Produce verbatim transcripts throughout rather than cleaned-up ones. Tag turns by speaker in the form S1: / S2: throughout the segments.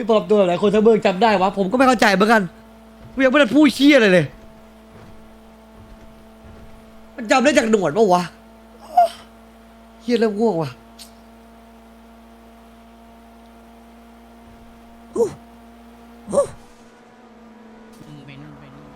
S1: ปลอมตัวหลายคนทั้งเมืองจำได้วะผมก็ไม่เข้าใจเหมือนกันกูยังไม่ได้พูดเชี่ยอะไรเลยมันจำได้จากหนวดปะวะเชี่ยเริ่มง่วงว่ะ
S2: ไปนู่นไปนู่น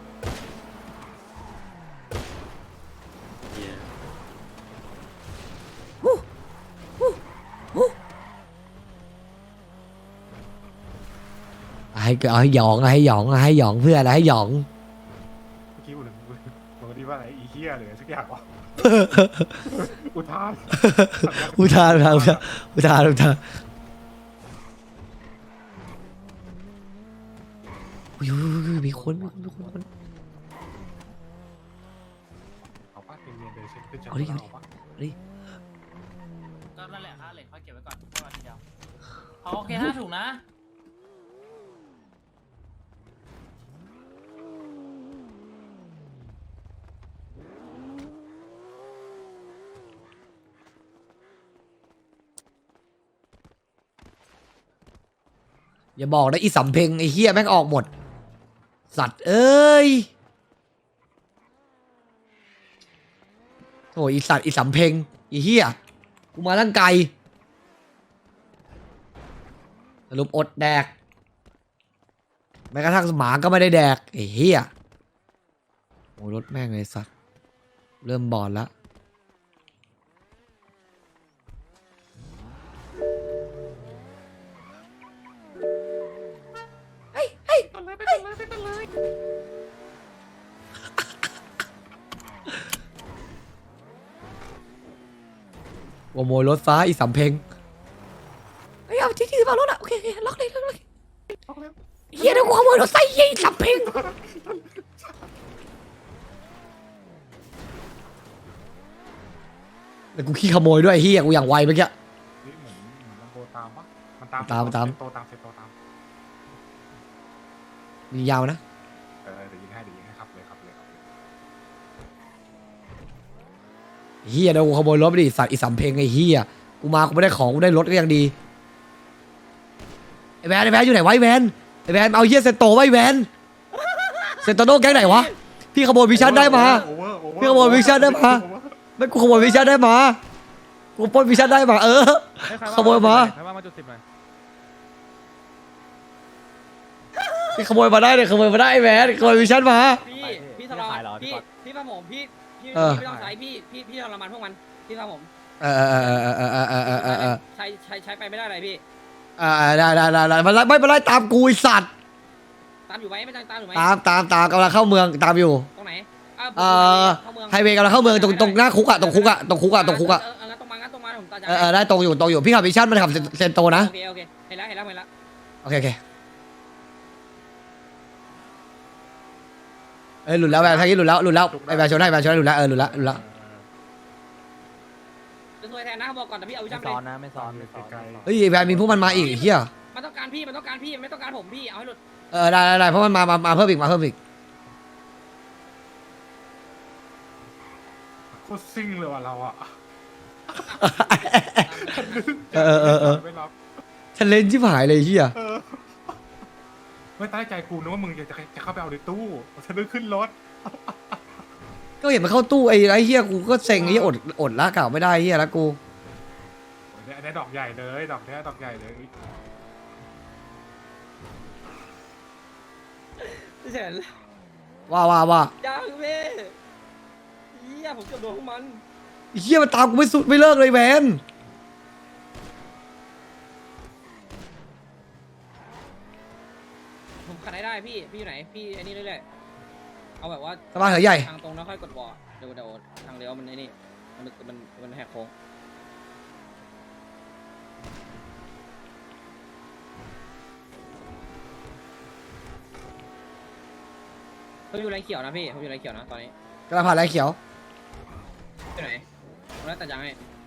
S1: ให้เอาให้หยองให้หยองให้หยองเพื่ออะไรให้หยอง
S3: เมื่อกี้ผมผมคิดว่าอะไรอีเหี้ยหรือสักอย่างวะ อุทาน
S1: อุทานอุทานอุทานอุทานอุทานอุ้ยมีคนมีคนมีคน
S3: เอาป้าเรียนๆเลยเช็คขึ้นชั้น
S1: เอาดิ
S3: เอาปะ
S1: ดิ
S2: ก็นั่นแหละค่าเหล็กค่อยเก็บไว้ก่อนแค่วันทีเดียวเอาโอเคห้าถุงนะ
S1: อย่าบอกนะอีสำเพ็งไอ้เฮียแม่งออกหมดสัตว์เอ้ยโอ้ยอีสัตว์อีสำเพ็งอีเฮียกูมาตั้งไกลสรุปอดแดกแม้กระทั่งหมาก็ไม่ได้แดกไอ้เฮียโอ้ยรถแม่งเลยสัตว์เริ่มบอดแล้วขโมยรถฟ้าอีสำเพ็งไอ้เอาที่ที่มารถอ่ะโอเคโอเคล็อกเลยล็อกเลยเฮียเดี๋ยวกูขโมยรถไฟเฮียอีสำเพ็งแต่กูขี้ขโมยด้วยเฮียกูอย่างไวเมื่อกี้
S3: เฮ้ยเหมือนเหมือนมันโตตามปะมันตาม
S1: ตามตาม
S3: โตตามเสร็จโตตาม
S1: มียาวนะ
S3: เออเดี๋ยวยิงให้เดี๋ยวยิงให้ครับเลยครับเลยครับเลย
S1: เฮียเดี๋ยวกูขโมยรถไปดิสัตว์อีสำเพ็งไอ้เฮียกูมากูไม่ได้ของกูได้รถก็ยังดีไอ้แวนไอ้แวนอยู่ไหนวะไอ้แวนไอ้แวนเอาเฮียเซนโตไว้แวนเซนโตโน่แก๊งไหนวะพี่ขโมยวิชั่นได้มา
S3: โอเวอร์โอเวอร์
S1: พี่ขโมยวิชั่นได้มา ไม่กูขโมยวิชั่นได้มากูปล้นวิชั่นได้มาเออขโมยมา
S4: ใครว่ามาจุดสิบหน่อย
S1: พี่ขโมยมาได้เลยขโมยมาได้ไอ้แวนขโมยวิชั่นมา
S5: พี่พี่ทรมานพี่พี่พาผมพี่พี่
S1: เออ
S5: ไม่ต้องใช้พี่พี่พี่ทรมานพวกมันพี่พาผม
S1: เออเออเออเออเออเออเออเออเออ
S5: ใช้ใช้ใช้ไปไม่ได้เลยพี่
S1: อ่าได้ได้ได้ได้มันไล่ไม่เป็นไรตามกูไอ้สัตว์
S5: ตามอยู่ไหมไม่ตามตามอยู่ไหม
S1: ตามตามตามกำลังเข้าเมืองตามอยู่
S5: ตรงไหน
S1: เอ่อ
S5: เข้าเมือง
S1: ไฮเวย์กำลังเข้าเมืองตรงตรงหน้าคุกอะตรงคุกอะตรงคุกอะตรงคุกอะ
S5: เออเอองั้นตรงมางั้นตรงมาผมตาจะ
S1: เออเออได้ตรงอยู่ตรงอยู่พี่ขับวิชั่นมันขับเซนเซนโตนะ
S5: โอเคโอเคเห็นแล้วเห็นแล้วเห็นแล้ว
S1: โอเคโอเคเอ้ยหลุดแล้วแบบทางนี้หลุดแล้วหลุดแล้วไอ้แบบชนได้แบบชนได้หลุดแล้วเออหลุดแล้วหลุดแล้ว
S5: จะซวยแทนนะบอกก่อนแต่พี่เอาวิ
S4: ไม่
S5: ชั่นไป
S4: ซ้อนนะไม่ซ้อนไม่ซ้อน
S3: ไกล
S1: เฮ้ยไอ้แบบมีพวกมันมาอีกไอ้เฮีย
S5: มันต้องการพี่มันต้องการพี่ไม่ต้องการผมพี่เอาให้หลุด
S1: เออได้ได้ได้เพราะมันมามามาเพิ่มอีกมาเพิ่มอีก
S3: โคตรซิ่งเลยว่ะเราอ่ะ
S1: เออเออเออ
S3: ไม่รับ
S1: ฉันเล่นชิบหายเลยไอ้เฮีย
S3: เออไม่ตั้งใจกูนึกว่ามึงจะจะจะเข้าไปเอาในตู้ฉันนึกขึ้นรถ
S1: ก็เห็นมันเข้าตู้ไอ้ไอ้เฮียกูก็เซ็งไอ้เฮียอดอดละเก่าไม่ได้ไอ้เฮียละกู
S3: โอ้ยเนี่ยอันนี้ดอกใหญ่เลยดอกเนี้ยดอกใหญ่เลย
S5: พี่เฉิน
S1: ว่าว่าว่า
S5: ยังเว้ยเฮียผมเกือบโดนพวกมัน
S1: ไอ้เฮียมันตามกูไม่สุดไม่เลิกเลยแวน
S5: ผมขัดได้ได้พี่พี่อยู่ไหนพี่ไอ้นี่เรื่อยๆเอาแบบว่า
S1: สบายเหรอใหญ่
S5: ทางตรงแล้วค่อยกดวอลเดี๋ยวเดี๋ยวทางเลี้ยวมันไอ้นี่มันมันมันแหกโค้งผมอยู่ไรเขียวนะพี่ผมอยู่ไรเขียวนะตอนนี้
S1: กระผ่านไรเขียว
S5: ที่ไหนผมได้ตัดยางให้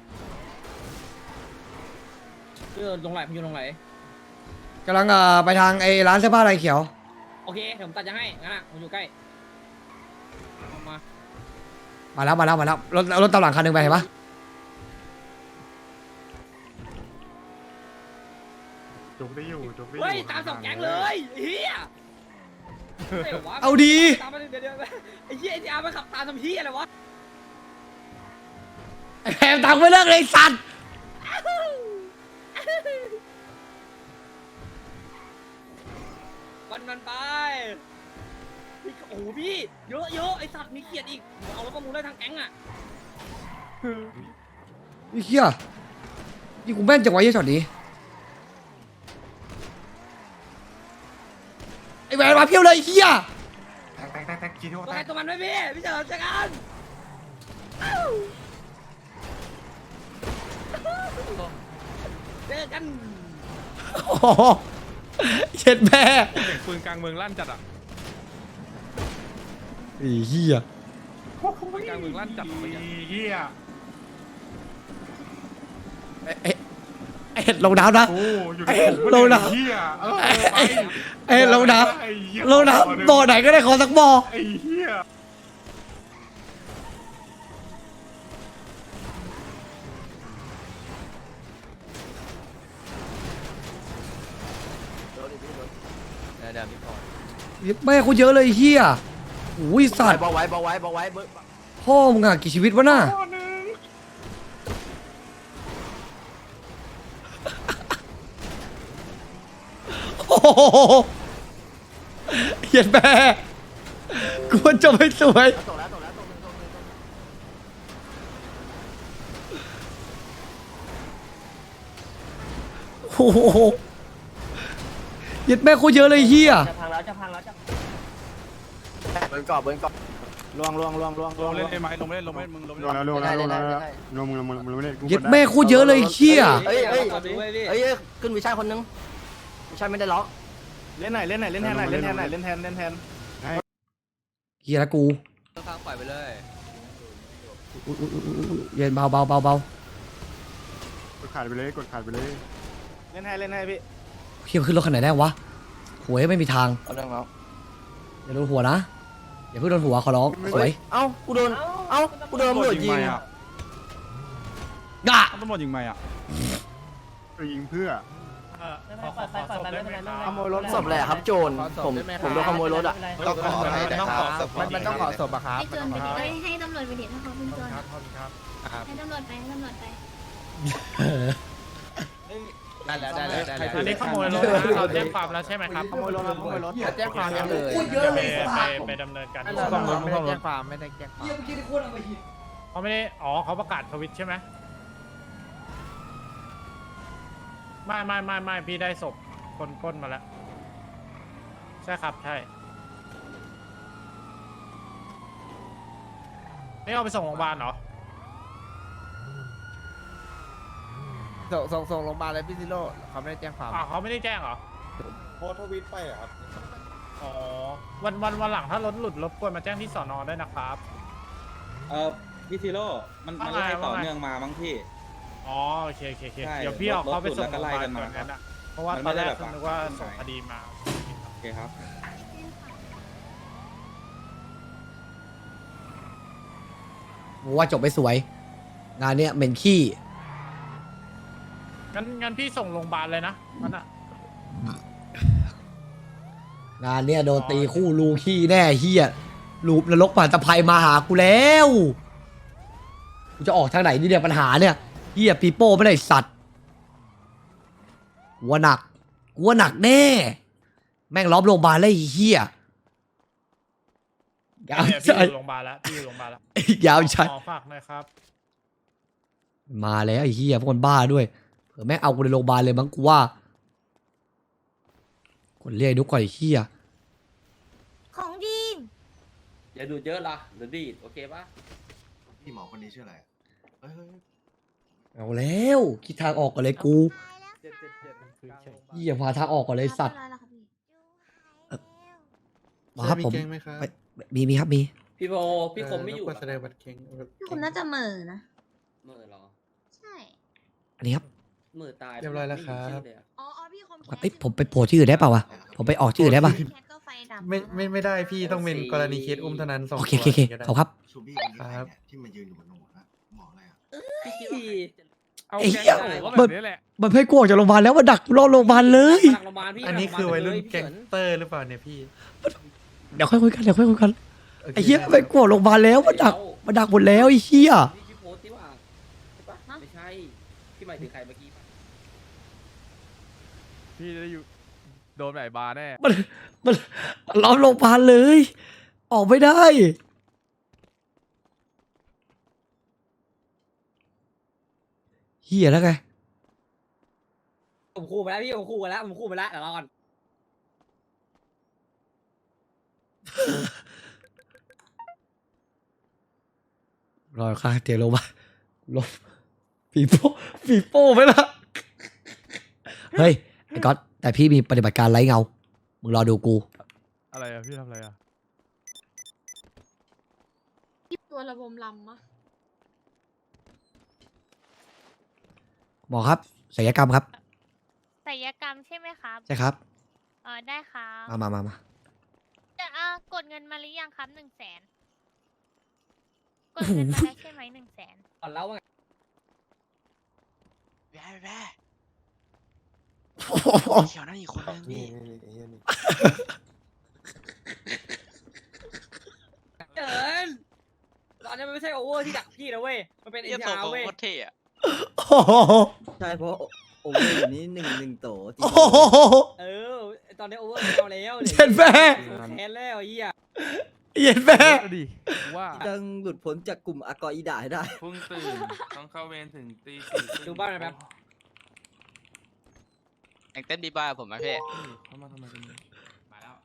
S5: คือลงไหลผมอยู่ลงไหล
S1: กำลังเอ่อไปทางไอ้ร้านเสื้อผ้าไรเขียว
S5: โอเคเดี๋ยวผมตัดยางให้งั้นอ่ะผมอยู่ใกล้เอามา
S1: มาแล้วมาแล้วมาแล้วรถรถตามหลังคันหนึ่งไปเห็นปะ
S3: จุกได้อยู่จบได้อยู่
S5: เฮ้ยตามสองแก๊งเลยเฮีย
S1: เอาดี
S5: ตามมาเดี๋ยวเดี๋ยวไอ้เหี้ยไอ้ที่อาร์มันขับตามทำเหี้ยอะไรวะ
S1: ไอ้แพมตังไม่เลิกเลยไอ้สัตว์
S5: วันมันไปพี่โอ้โหพี่เยอะเยอะไอ้สัตว์มีเกียรติอีกเอาแล้วประมูลได้ทางแก๊งอ่ะ
S1: ไอ้เหี้ยนี่กูแม่นจังวะไอ้ช็อตนี้ไอ้แหวนมาเพี้ยวเลยไอ้เหี้ย
S3: แตกแตกแตกแตกกี่ที
S5: ตัว
S3: แต
S5: ใคร
S3: ก
S5: ตัวมันไหมพี่พี่เจอเจอกันเจอกัน
S1: โอ้โหเช็ดแม่
S4: เสียงปืนกลางเมืองลั่นจัดอ่ะ
S1: ไอ้เหี้ย
S4: ปืนกลางเมืองลั่นจัด
S3: ไอ้
S4: เมื่อกี้
S3: เหี้ย
S1: ไอ้ไอ้ไอ้เห็ดลงน้ำนะ
S3: โอ้อยู่
S1: ไอ้
S3: ในผม
S1: โลนะ
S3: ไอ้เหี้ยเออ
S1: ไอ้
S3: ไป
S1: ไอ้เห็ดลงน้
S3: ไอ้เหี้ย
S1: ำลงน้ำบ่อไหนก็ได้ขอสักบ่อ
S3: ไอ้เหี้ย
S1: แม่กูเยอะเลยไอ้เหี้ยอุ้ยสัตว์
S6: บอกไว้บอกไว้บอกไว้เบิร์
S1: พ่อมึงอะกี่ชีวิตวะน่ะ
S3: ข้อหนึ่ง
S1: โอ้โหเหี้ยแม่กูว่าจะไม่สวย
S6: ตกแล้วตกแล้วตกหนึ่งตกหนึ่งตกหนึ่ง
S1: โอ้โหเหี้ยแม่โคตรเยอะเลยไอ้เหี้ย
S5: จะพังแล้วจะพังแล้วจะ
S6: เบิร์นกรอบเบิร์นกรอบลวงลวงลวงลวง
S4: ลงเล่นได้ไหมลงเล่นลงเล่นมึงลง
S3: ล
S4: เล่
S3: ง
S4: น
S3: แล้วลงแล้วลงแล้วลงมึงลงมึงลงไม่ได้กู
S1: เหี้ยแม่โคตรเยอะเลยไอ้เหี้ย
S6: เฮ้ยเฮ้ย
S5: ดูไว้พี่
S6: เฮ้ยขึ้นวิชัยคนนึงวิชัยไม่ได้ล็อกเล่นไหนเล่นไหนเล่นแทนไหนเล่นแทนไหนเล่นแทนเล่นแทน
S1: เหี้ยละกู
S6: ข้างปล่อยไปเลย
S1: อุ๊ยอุ๊ยอุ๊ยอุ๊ยเย็นเบาเบาเบาเบาก
S3: ดขาดไปเลยกดขาดไปเลย
S6: เล่นให้เล่นให้พี่
S1: เหี้ยขึ้นรถคันไหนได้วะหัวไม่มีทาง
S6: เอาเรื่องแล้ว
S1: อย่าโดนหัวนะอย่าเพิ่งโดนหัวขอร้องสวย
S6: เอ้ากูโดนเอ้ากูโดนตำรวจยิง
S4: อ่ะ
S1: กะ
S4: ตำรวจยิงไหมอ่ะ
S3: ไปยิงเพื่อ
S2: ขอขอขอศพได้ไหมครับ
S6: ขโมยรถศพแหละครับโจรผมผมโดนขโมยรถอ่ะ
S7: ต้องขอให้นะครับ
S6: มันมันต้องขอศพอะครับ
S8: ให้โจรไปดิเอ้ยให้ตำรวจไปดิถ้าเขาเป็นโจรให้ตำรวจไปให้ตำรวจไป
S6: ได้แล้วได้แล้วได้แล้ว
S2: อันนี้ขโมยรถนะเราแจ้งความแล้วใช่ไหมครับ
S6: ขโมยรถขโมยรถ
S7: แจ้งความยังเลย
S1: เยอะเลย
S2: ไปไปดำเนินการ
S7: ไม่ได้แจ้งความไม่ได้แจ้งความ
S1: เหี้ยเมื่อกี้ที่โคตรเอาไปหิน
S2: เขาไม่ได้อ๋อเขาประกาศทวิตใช่ไหมไม่ไม่ไม่ไม่พี่ได้ศพคนก้นมาแล้วใช่ครับใช่นี่เอาไปส่งโรงพยาบาลเหรอ
S7: ส่งส่งส่งโรงพยาบาลเลยพี่ซิโร่เขาไม่ได้แจ้งความ
S2: อ่าเขาไม่ได้แจ้งเหรอ
S3: โพสทวิตไปอ่ะครับ
S2: อ๋อวันวันวันหลังถ้ารถหลุดรบกวนมาแจ้งที่สอนอด้วยนะครับ
S9: เออพี่ซิโร่มันมัน
S2: ว่าไง
S9: ไล่ต่อ
S2: ว่าไง
S9: เนื่องมามั้งพี่
S2: อ๋อโอเคโอเคโอเค
S9: ใช่
S2: เดี๋ยวพี่เอาเขาไปส่ง
S9: รถหลุดแล้วก็ไล่กันมา
S2: โรงพยบลก่ออะเพราะว่า
S9: มัน
S2: ตอนแรก
S9: ไม่ได้แบบ
S2: นึกว่า
S9: ว่า
S2: ส่งคดีมา
S9: โอเคครับ
S1: ผมว่าจบไม่สวย งานเนี้ยเหม็นขี้
S2: งั้นงั้นพี่ส่งโรงพยาบาลเลยนะมันอะ
S1: งานเนี้ยโดนตีคู่ลูขี้แน่เฮียลูปนรกผ่านตะไคร่มาหากูแล้วกูจะออกทางไหนนี่เนี่ยปัญหาเนี่ยเฮียปีโป้ไม่ได้สัตว์กูว่าหนักกูว่าหนักแน่ แม่งล้อมโรงพยาบาลเลยไอ้เฮียยาว
S2: เนี่ย
S1: ใจ
S2: พี่อยู่โรงพยาบาลแล้วพี่อยู่โรงพยาบาลแล้ว
S1: ยาวใจ
S2: ขอฝากหน่อยครับ
S1: มาแล้วไอ้เฮียพวกคนบ้าด้วยเผื่อแม่งเอากูในโรงพยาบาลเลยมั้งกูว่าคนเรียกนุกก่อนไอ้เฮีย
S8: ของดี
S6: อย่าดูเยอะละเดี๋ยวดีโอเคปะ
S7: พี่หมอคนนี้ชื่ออะไรเฮ้ย
S1: เอาแล้วคิดทางออกก่อนเลยกู
S6: เจ็ดเจ็ดเจ็ด
S1: เฮียพาทางออกก่อนเลยสัตว์ มาครับผมไปมีมีครับมี
S6: พี่โบพี่คมไม่อยู่
S7: แสดงบัตรเก่ง
S8: พี่คุณน่าจะเหม่อนะ
S6: เมื่อหรอ
S8: ใช่
S1: อันนี้ครับ
S6: เมื่อตาย
S7: เรียบร้อยแล้วครับ
S8: อ๋ออ๋อพี่คม
S1: เอ้ยผมไปโผล่ที่อื่นได้เปล่าวะผมไปออกที่อื่นได้ปะ
S8: แคทก็ไฟดับ
S7: ไม่ไม่ไม่ได้พี่ต้องเป็นกรณีเคสอุ้มเท่านั้นสอง
S1: โอเคโอเคโอเคขอบครับ
S10: ชูบี้คนนี้ใครเนี่ยที่มายืนอยู่บนหัวนะหมออะไรอ่ะ
S6: พี่
S4: เอา
S1: ไอ้
S4: แก
S1: เหี้ย
S4: งโง่ก็แบบนี้แหละ
S1: มันให้กูออกจากโรงพยาบาลแล้วมาดักรอโรงพยาบาลเลย
S5: หลังโรงพยาบาลพี่
S3: อันนี้คือวัยรุ่นแก๊ง
S5: พี่
S3: เตอร์หรือเปล่าเนี่ยพี่
S1: เดี๋ยวค่อยคุยกันเดี๋ยวค่อยคุยกันไอ้เหี้ยไปกูออกโรงพยาบาลแล้วมาดักมาดักหมดแล้วไอ้เหี้ย
S5: พี่พี่โพสต์ที่ว่าใช่ปะไม่ใช่พี่หมายถึงใครเมื่อกี้ปะ
S4: พี่จะได้อยู่โดนไหนบาร์แน่
S1: มันมันล้อมโรงพยาบาลเลย ออกไม่ได้เหี้ยแล้วไง
S5: ผมคู่ไปแล้วพี่ผมคู่ไปแล้วผมคู่ไปแล้วเดี๋ยวรอก่อน
S1: รอข้างเตียงลงมาลบปีโป้ปีโป้ไหมล่ะ เฮ้ย ไอ้ก๊อตแต่พี่มีปฏิบัติการไร้เงา มึงรอดูกู
S4: อะไรอะพี่ทำอะไรอะ
S8: ตัวระบมลำมะ
S1: หมอครับศัลยกรรมครับ
S8: ศัลยกรรมใช่ไหมครับ
S1: ใช่ครับ
S8: เออได้ครับ
S1: มามามามา
S8: จะอ่ากดเงินมาหรือยังครับหนึ่งแสนกดเงินมาแล้วใช่ไหมหนึ่งแสน
S5: ก่อนแล้วว่าไง
S10: แว่แว่เขียวนั่นอีกคนนึงพี่
S5: เจินตอนนี้มันไม่ใช่โอเวอร์ที่ดักพี่นะเว้ยมันเป็นเอ็
S10: เยี่ย
S5: น
S10: โต
S5: ยา
S10: โก
S5: เว้ย
S10: โคตรเท่อะ
S1: โอ้โห
S6: ใช่เพราะโอเวอร์อยู่นี้หนึ่งหนึ่งโต
S1: โอ้โห
S5: เออตอนนี้โอเวอร์ไม่เอาแล้ว
S1: เย็นแม่
S5: แค้นแล้วไอ้เหี้ย
S1: เย็นแม่
S4: เอาดิกูว่า
S6: ต้องหลุดพ้นจากกลุ่มอากออีดาให้ได้
S11: เพิ่งตื่น ต้องเข้าเวรถึงตีสี่
S5: ดูบ้านหน่อยแป๊บ
S10: แองเต้นบีบายผมไหมพี่
S11: เข้ามาทำไมกันเนี่ย
S10: มาแล้ว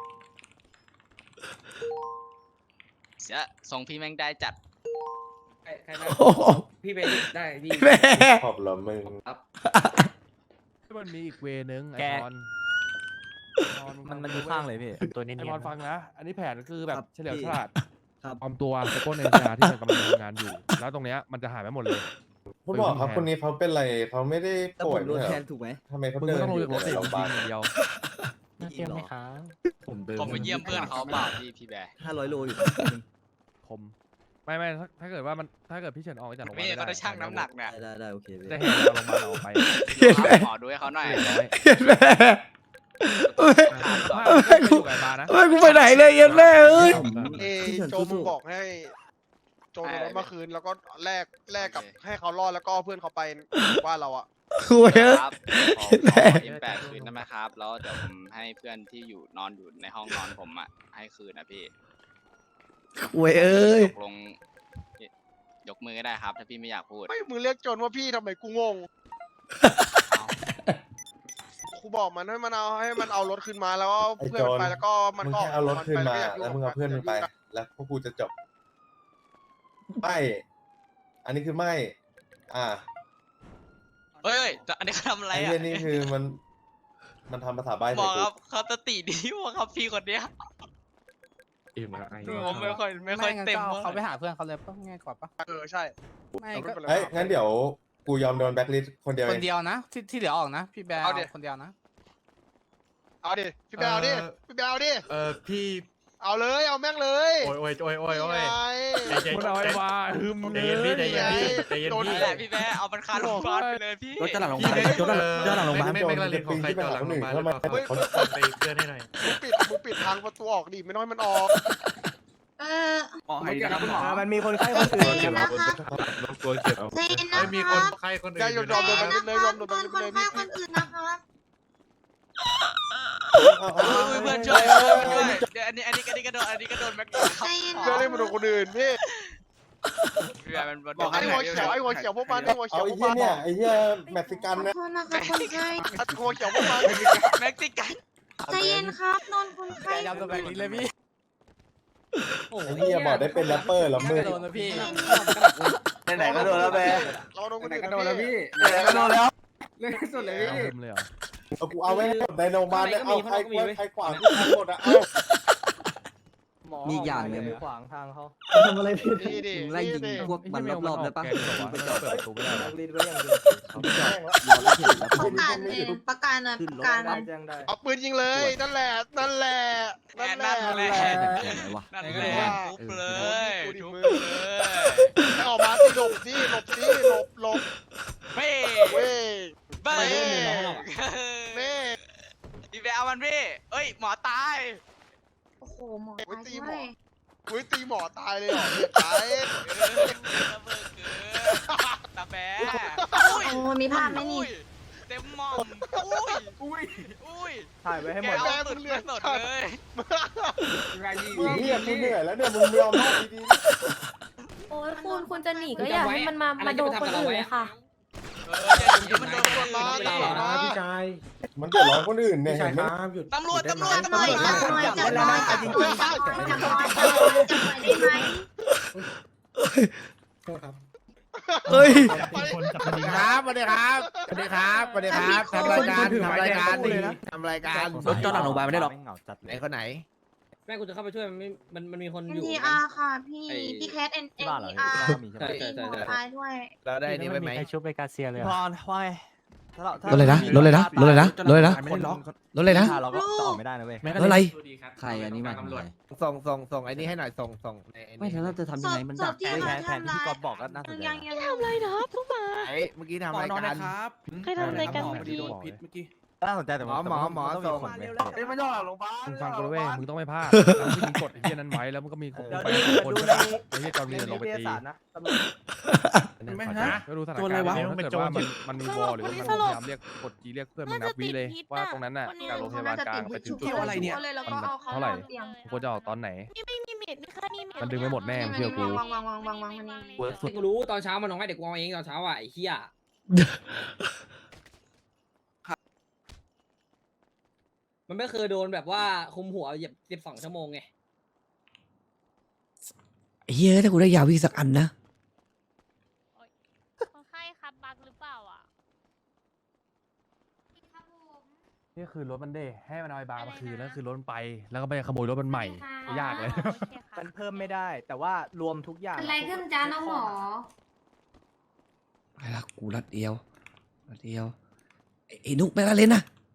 S10: เสียทรงพี่แม่งได้จัด
S5: ใครใครนะ
S1: โอ้โห
S5: พี่เป็นได้พี่
S1: แม่
S3: ขอบละมึง
S4: มันมีอีกเวนึงไอ
S6: แก
S4: พอน
S6: มันมันดูข้างเลยพี่ตัวนี้
S4: ไอพอนฟังนะ อันนี้แผนคือแบบ
S6: ครับ
S4: เฉลียว
S6: พี่
S4: ฉลาด
S6: ครับ
S4: ปลอมตัวไปปล้นในยาที่มันกำลังทำงานอยู่ แล้วตรงเนี้ยมันจะหายไปหมดเลย
S3: คุณหมอครับคนนี้เขาเป็นอะไรเขาไม่ได้
S6: แล้ว
S3: ป่
S6: ผ
S3: วย
S6: มโดน
S3: ไม่
S6: แท
S3: ใช่
S6: นถูกไหม
S3: ทำไมเขา
S4: มึง
S3: เดิ
S4: ไม่
S3: น
S4: ต้องลง
S3: อยู่
S4: จากรถ
S3: ใน
S4: สิ
S3: โรงพยาบาล
S4: ยิงอย่างเดียว
S6: จริงเหรอ
S3: ผมเดิน
S10: ผมไปเยี่ยมเพื่อนเขาเปล่าพี่พี่แบร์
S6: ห้าร้อยโลอยู่
S4: ผมไม่ไม่ถ้าถ้าเกิดว่ามันถ้าเกิดพี่เฉินออกจากโรงพยาบาล
S10: พี่
S4: ไม่
S10: เขาได้ชั่งน้ำหนักเนี่ย
S6: ได้ได้ได้โอเคพี่
S4: จะเห็นเราโรงพยาบาลออกไป
S10: ขอดูให้เขาหน่อย
S4: เรียบร้อย
S1: เย็นแม่
S4: ถามว่าไม่อยู่กับไอ้บาร์นะ
S1: เฮ้ยกูไปไหนเลยเย็นแม่เอ้ย
S6: เอ้โจมึงบอกให้
S10: โจนรถเมื่อคืนแล้วก็
S6: แลกแลกกับให้เขารอดแล้วก็เพื่อนเขาไปว่าเราอะ
S1: กูเอ้ย
S10: ครับขอ
S1: แม่
S10: ขออิมแปดคืนได้ไหมครับ แล้วเดี๋ยวผมให้เพื่อนที่อยู่นอนอยู่ในห้องนอนผมอ่ะให้คืนนะพี่
S1: กูเอ้ย
S10: ตกลงยกมือก็ได้ครับ ถ้าพี่ไม่อยากพูด
S6: ไม่มึงเรียกโจนว่าพี่ทำไมกูงงกูบอกมันให้มันเอาให้มันเอารถขึ้นมาแล้วก็เพื่อนมันไปแล้วก็มัน
S3: มึง
S6: ก็
S3: แค่เอารถขึ้นมา
S6: ไป
S3: แล้วมึงเอาเพื่อนมันไป แล้วพวกกูจะจบไม่อันนี้คือไม่ อ่า
S10: เฮ้ยเฮ้ยอันนี้เขาทำอะไร
S3: ไอ้
S10: อ่ะ
S3: เรื่องนี้คือมัน มันทำภาษาใบ้
S10: บ
S3: ใส่
S10: อก
S3: กู
S10: ครับเขาสติดีว่ะครับพี่คนเนี้ยผมไม่ค่อยไม่ค่อยเต็มว่า
S7: เขาไปหาเพื่อนเขาเลยป่ะง่ายกว่าป่ะ
S6: เออใช่
S7: ไม่ก็
S3: เฮ้ยงั้นเดี๋ยวกูยอมโดนแบ็คลิสต์คนเดียว
S7: ค
S3: เอน ง
S7: เดียวนะ ที่ที่เหลือออกนะ พี่แบร์
S6: เอาดิ
S7: คนเดียวนะ
S6: เอาดิพี่แบลเอาดิพี่แบลเอาดิ
S3: เออพี่
S6: เอาเลยเอาแม่งเลย
S3: โอ้ยโอ้ยโอ้ยโอ้ยโอ้ย
S6: นี่ไง
S4: มันเอาไอ้บาร์ฮึม
S3: ใจเย็นพี่ใจเย็นพี่ใจเย็น
S6: โดน
S3: พี่
S10: นี่แหละพี่แม่เอามันคาโรงพยาบาลไปเลยพี่
S6: รถจะหลังโรงพยาบาล
S3: โจนโจนหลังโรงพยาบาลไม่ไม่กระลินของใครจอดหลังโรงพยาบาลแล้วมาเขาไปเพื่อนให้หน่อย
S6: มึงปิดมึงปิดทางประตูออกดิไม่น้อยมันออก
S8: เออ
S6: หมอให้นะคุณหมอ
S3: มันมีคนไข้คนอื่น
S8: ใจเย็นนะคะ
S3: ตัวเก็บเอา
S8: ใจเย็นนะคะ
S3: มีคนไข้คนอื่น
S6: ได้ยอมยอมโดนไปเลยยอมโดนไป
S8: คน
S6: เลย
S8: ไข้
S6: พี่
S8: คนอื่นนะคะ
S10: เพื่อนช่วยเพื่อนช่วยเดี๋ยวอันนี้อันนี้อันนี้ก็โดนอันนี้ก็โดนแม็กโดนครับ
S8: ใจเย็น
S6: เพื่อนเล่นมาโดนคนอื่นพี่
S10: พี่แม่มัน
S6: บอกไอ้หัวเขียวไอ้หัวเขียวพวกมันไอ้หัวเขี
S3: เอา
S6: ยว
S3: ไอ้
S6: พวก
S3: เหี้ย
S6: มัน
S3: เนี่ยไอ้เหี้ยเม็กซิกัน
S8: ขอ
S3: นะ
S8: โทษนะคะคนไข้
S6: ไอ้หัวเขียวพวกมัน
S10: เม็กซิกัน
S8: ใจเย็นครับนอนคนไข้
S7: ยำตัวแบบนี้เลยพี่
S5: โอ้โห
S3: ไอ้เหี้ยบอกได้เป็นแรปเปอร์แล้วมึง
S7: โดนนะพี่
S6: ไหนๆก็โดนแล้วแม่เราโดนคนอื่นก็โดนแล้วพี่ไหนๆก็โดนแล้วเล่นสุดเลยพี่
S4: เอาฮึมเลยเหรอ
S3: เอากูเอาไว้ให้หมดในโรงพยาบาลเนี่ยเอาใครใครขวางกูทั้งหมดอะเอา
S6: มีอย่างหนึ่ง
S7: ขวางทางเขา
S6: ทำอะไรผิดนี่ดิ
S7: ไล่ยิง
S6: นี่ดิ
S7: พวกมันรอบๆเลยป่ะ
S4: แกงเหรอวะเปิดประตูไม่ได้เหรอ
S7: รีดไว้อย่างเดียว
S6: เขาไม่แจ้งแล้ว
S8: ประกาศเลยประกาศหน่อยประกาศหน่อย
S7: แจ้งได้
S6: เอาปืนยิงเลยนั่นแหละนั่นแหละนั่นแหละ
S10: นั่นแหละ นั่นแหละทุบเลยทุบเลย
S6: ให้ออกมาสิหลบสิหลบสิหลบหลบ
S10: ไป
S8: โอ้โหหมอ
S12: อุ๊ย
S8: ตาย
S12: ตี
S8: ด้
S12: หม
S8: ว
S12: อ
S8: ย
S12: อุ้ยตีหมอตายเลยเหรอเหี้ยตาย
S10: ตาแบ
S8: โอ้มีภาพไหมนี่
S10: เต็มหมอมอุ้ยอุ้ยอุ้ย
S6: ถ่ายไว้ให้หมด
S10: แกเอาสุดเลือดสดเลย
S3: มึงเนี่ยกูเหนื่อยแล้วเนี่ยมึงยอมให้ดี
S8: โอ้ยคุณคุณจะหนีก็อย่าให้มันมามาโดนคนอื่นเลยค่ะ
S10: เอออย่ามันโดนคนร้อน
S3: ๆพี่ชายมันเดือดร้อนคนอื่นเนี่ยเห็นไหม
S10: ตำรวจตำรวจตำรวจ
S8: จับหน่อยจับหน่อยจับหน่อยจับหน่อยจับหน่อยจับหน่อยได้ไหม
S1: เฮ้ย
S7: สวัสดีครับสวัสดีครับสวัสดีครับสวัสดีครับทำรายการทำรายการดีทำรายการ
S6: รถจอดหลังโรงพยาบาลไม่ได้หรอก
S7: ไหนคนไหน
S5: แม่กูจะเข้าไปช่วยมันไม่มันมันมีคนอยู่
S8: เอ็นทีอาร์ค่ะพี่พี่แคทเอ็นเอ็นทีอาร์
S5: ใช่ใช่ใช่
S8: หมอ
S5: ใช่
S8: ตายด้วย
S7: เราได้นี่ไหม
S6: ชุบไปกาเซียเลยพรว่าไง
S1: รถเลยนะรถเลยนะรถเลยนะรถเลยนะ
S6: คนล็อก
S1: รถเลยนะ
S6: เราก็จะออกไม่ได้นะเว้ย
S1: รถอะไร
S6: ใครอันนี้มา
S7: ส่งส่งส่งไอ้นี่ให้หน่อยส่งส่งใน
S6: ไม่แล้วเราจะทำยังไงมันดัก
S8: ที่
S6: แผ
S8: เขา
S6: นแผน
S8: ทำ
S6: ที่
S8: ร้าย
S6: กอบอกก็น่าสนใจ
S8: ยังยัง
S6: นะ
S8: ทำอะไรนะพวกมา
S7: ไอ้เมื่อกี้ทำรายการ
S8: ใครทำอะไรกัน
S6: หมอ
S8: เมื่อกี้
S6: โดนพิษเมื่อกี้น่าสนใจแต่
S7: หมอหมอหมอส่ง
S6: เอ้ยมันยอดโรงพยาบาล
S4: มึงฟังกูด้วยเว้ยมึงต้องไม่พลาดแล้วมึงมีกฎไอ้เหี้ยนั้นไว้แล้วมันก็มีคนไปคนใช่ปะไอ้เหี้ยจอมมีลงไปตี
S7: ไม่
S4: ฮะก็ดูสถานการณ์แล้วถ้าเกิดว่ามันมันมีวอลหรือว่ามันพยายามเรียกกดจีเรียกเพื่อนมึงนับวิเลยว่าตรงนั้นน่ะจากโรงพยาบาลกลางไปถึงจุด
S8: อะไรเนี่ยแล้วก็เอาเขา
S4: เท่าไหร่
S8: เตียง
S4: ควรจะออกตอนไหน
S8: ไม่มีเม็ดไม่ค่านี่เม็ด
S4: มันดึงไม่หมดแน่มึงเชื่อกู
S8: วางวางวางวางวางมันนี่
S5: เฮ้ยกูรู้ตอนเช้ามันน้องให้เด็กกูเอาเองตอนเช้าอ่ะไอ้เหี้ยมันไม่เคยโดนแบบว่าคุมหัวเหยียบสิบสองชั่วโมงไง
S1: เฮียถ้ากูได้ยาวิ่งสักอันนะ
S8: คนไข้ครับบักหรือเปล่าอ่ะ
S4: นี่คือรถมันเด้ให้มันเอาไอ้บาร์มาคืนแล้วคือรถมันไป แล้วก็ไปขโมยรถมันใหม่ยากเลย
S6: มันเพิ่มไม่ได้ แต่ว่ารวมทุกอย่าง
S8: อะไรขึ้นจ้าน้องหมอ
S1: ไปละกูรัดเดียวรัดเดียวไอ้ไอ้นุกไปละเล่นนะ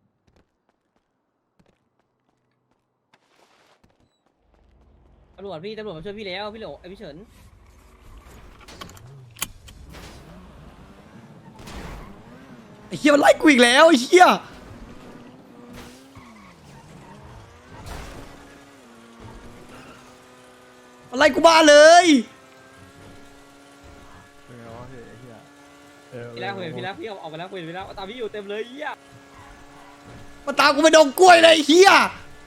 S5: ตำรวจพี่ตำรวจมาช่วยพี่แล้วพี่เหลวไอ้พี่เฉิน
S1: ไอ้เฮียมันไล่กูอีกแล้วไอ้เฮียมันไล่กูบ้าเลย
S5: พี่แล้วคุยพี่แล้วพี่เอาออกมาแล้วคุยพี่แล้วตามพี่อยู่เต็มเลยเหี้ย
S1: มาตามกูไปดงกล้วยเลยไอ้เฮีย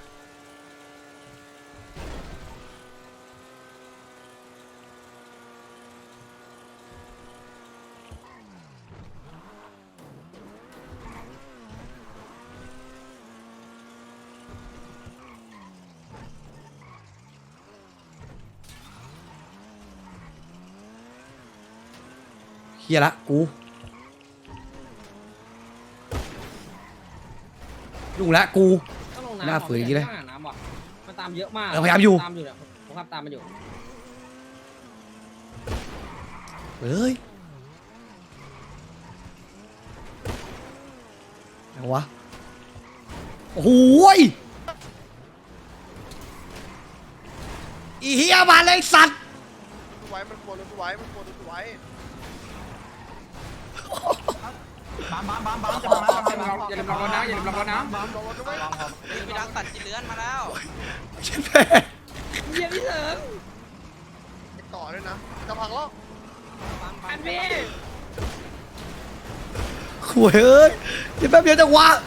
S1: เฮียละกูยุ่งละกู
S5: ต้องลง
S1: หน้า
S5: น้ำ
S1: ฝืนอย่างนี้เลย
S5: ต้หน้ำว่ะมันตามเยอะมาก
S1: เออพยายามอยู่
S5: ตามอยู่เนี่ยผมขับตามมันอยู่
S1: เฮ้ยเอาวะโอ้โหยอีเฮียมาเลยสัตว์
S12: ไว้มันกลัวรถไว้มันกลัวรถไว้
S6: บ้ามบ้ามบ้ามบ้ามจะมาอย่าลืมล็อกรถนะอย่าลืมล็อกรถนะ
S12: บ้ามรถด้วย
S10: พี่ดังตัดจีเลือนมาแล้ว
S1: เช่นแม่
S5: เหี้ยพี่เฉิน
S12: ต่อด้วยนะจะพังแล้ว
S5: อันพี่
S1: ขวยเอ้ยเดี๋ยวแป๊บเดียวจะวะ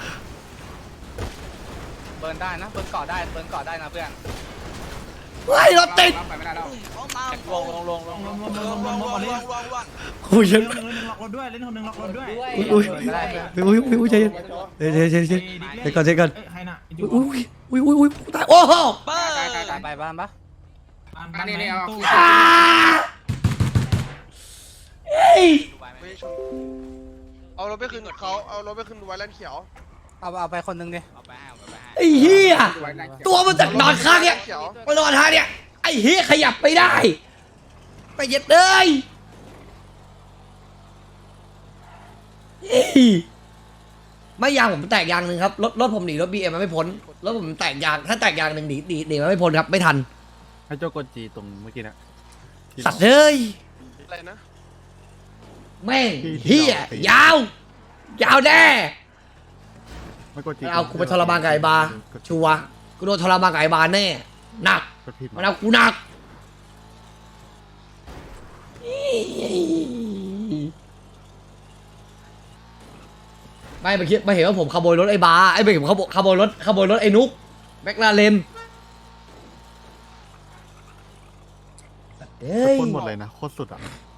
S10: เบิร์นได้นะเบิร์นเกาะได้เบิร์นเกาะได้นะเพื่อน
S1: ไล่รถติด
S10: ไปไม่ได้แล้วลงลงลงลงลงลงลงลงลงลง
S1: โอ้ยยัง
S6: เล่นหนึ่งล็อกรถด้วยเล่นคนหนึ่งล็อกรถด้วย
S1: อุ้ยอุ้ยอุ้ยอุ้ยอุ้ยใจเย็นเดี๋ยวเดี๋ยวเดี๋ยวเดี๋ยวเดี๋ยวก่อนเดี๋ยวก่อน
S6: ให้น่ะ
S1: อุ้ยอุ้ยอุ้ยอุ้ยตายโอ้โห
S10: เบิร์น
S6: ไปบ้านปะ
S5: อันนี้เนี่ยเอา
S1: อ่าเอ้ย
S12: ไม่ชนเอารถไปคืนเขาเอารถไปคืนไว้แลนเขียว
S6: เอาเอาไปคนหนึ่งดิ
S10: เอาไปให้เอาไปให้
S1: ไอ้เหี้ยตัวมันจากนอนข้างเนี่ย
S12: เขียว
S1: มานอนท่าเนี่ยไอ้เหี้ยขยับไม่ได้ไปเย็ดเลยเฮ้ยไม่ยางผมแตกยางหนึ่งครับรถรถผมหนีรถบีเอ็มมันไม่พ้นรถผมแตกยางถ้าแตกยางหนึ่งหนีหนีหนีมันไม่พ้นครับไม่ทัน
S3: ให้เจ้ากดจีตรงเมื่อกี้นะ
S1: สัตว์เอ้ย
S12: อะไรนะ
S1: แม่งเหี้ยยาวยาวแน่
S3: ไม่กดจี
S1: เอากูไปทรมานกับไอ้บาร์ชัวร์กูโดนทรมานกับไอ้บาร์แน่หนักมันเอากูหนักไม่มาคิดมาเห็นว่าผมขโมยรถไอ้บาไอ้ไม่ผมขโมยขโมยรถขโมยรถไอ้นุ๊กแม็กลาเรนเฮ้ย
S3: คนหมดเลยนะโคตรสุดอ่ะ